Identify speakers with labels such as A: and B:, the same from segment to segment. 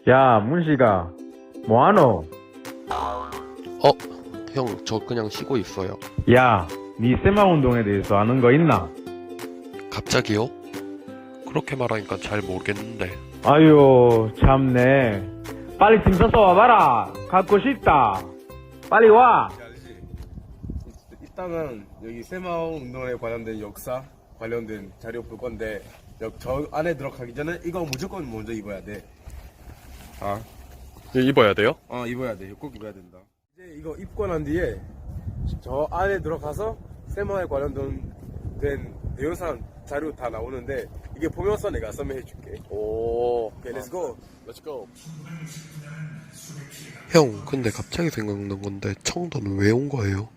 A: 야, 문씨가 뭐하노?
B: 형, 저 그냥 쉬고 있어요.
A: 야, 니 세마 운동에 대해서 아는 거 있나?
B: 갑자기요? 그렇게 말하니까 잘 모르겠는데.
A: 아유, 참네. 빨리 짐 싸서 와봐라. 갖고 싶다. 빨리 와.
C: 알지? 일단은 여기 세마오 운동에 관련된 역사 관련된 자료 볼 건데 저 안에 들어가기 전에 이거 무조건 먼저 입어야 돼.
B: 입어야 돼요?
C: 입어야 돼. 꼭 입어야 된다. 이제 이거 입고 난 뒤에 저 안에 들어가서 세마오에 관련된 내용상 자료 다 나오는데 이게 보면서 내가 설명해 줄게.
B: 오.
C: 오케이, 렛츠고.
B: 렛츠고. 형, 근데 갑자기 생각난 건데 청도는 왜 온 거예요?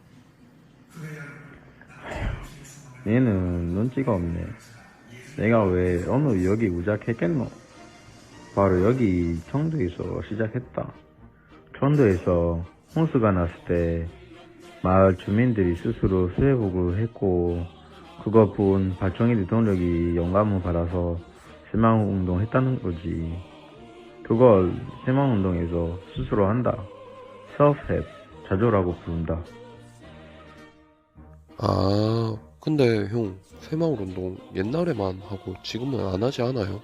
A: 얘는 눈치가 없네. 내가 왜 어느 여기 우작했겠노? 바로 여기 청도에서 시작했다. 청도에서 홍수가 났을 때 마을 주민들이 스스로 수해복을 했고 그거 본 발청이들 동력이 영감을 받아서 세마운동 했다는 거지. 그걸 세마운동에서 스스로 한다. self-help, 자조라고 부른다.
B: 아, 근데 형, 새마을 운동 옛날에만 하고 지금은 안 하지 않아요?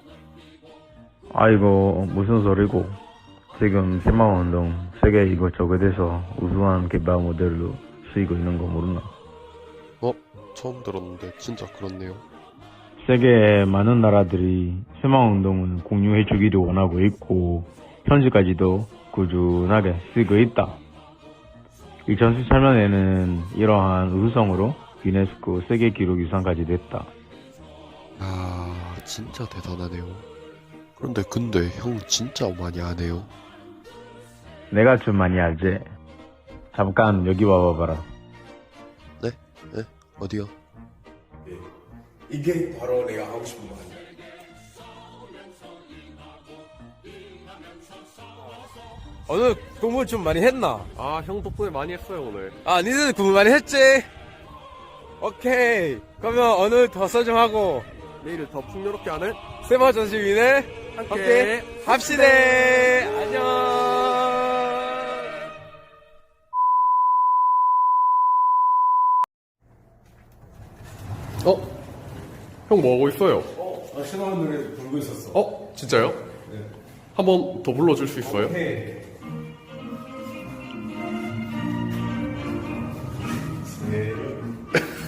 A: 아이고, 무슨 소리고. 지금 세마운동 세계 이것저것에서 우수한 개발 모델로 쓰이고 있는 거 모르나?
B: 처음 들었는데 진짜 그렇네요.
A: 세계의 많은 나라들이 세마운동을 공유해주기를 원하고 있고 현지까지도 꾸준하게 쓰고 있다. 2013년에는 이러한 우수성으로 유네스코 세계기록유산까지 됐다.
B: 아, 진짜 대단하네요. 근데 형 진짜 많이 하네요.
A: 내가 좀 많이 알지? 잠깐 여기 와봐봐라.
B: 네? 어디요?
C: 이게 바로 내가 하고 싶은 거 아니야. 오늘 공부 좀 많이 했나?
B: 아, 형 덕분에 많이 했어요, 오늘.
C: 니들 공부 많이 했지? 오케이. 그러면 오늘 더 설정하고
B: 내일을 더 풍요롭게 하는
C: 세마 전시위네 함께 합시다. 안녕.
D: 형 뭐하고 있어요?
C: 세마 운동에 불고 있었어.
D: 진짜요? 네. 한 번 더 불러줄 수 있어요?
C: 오케이.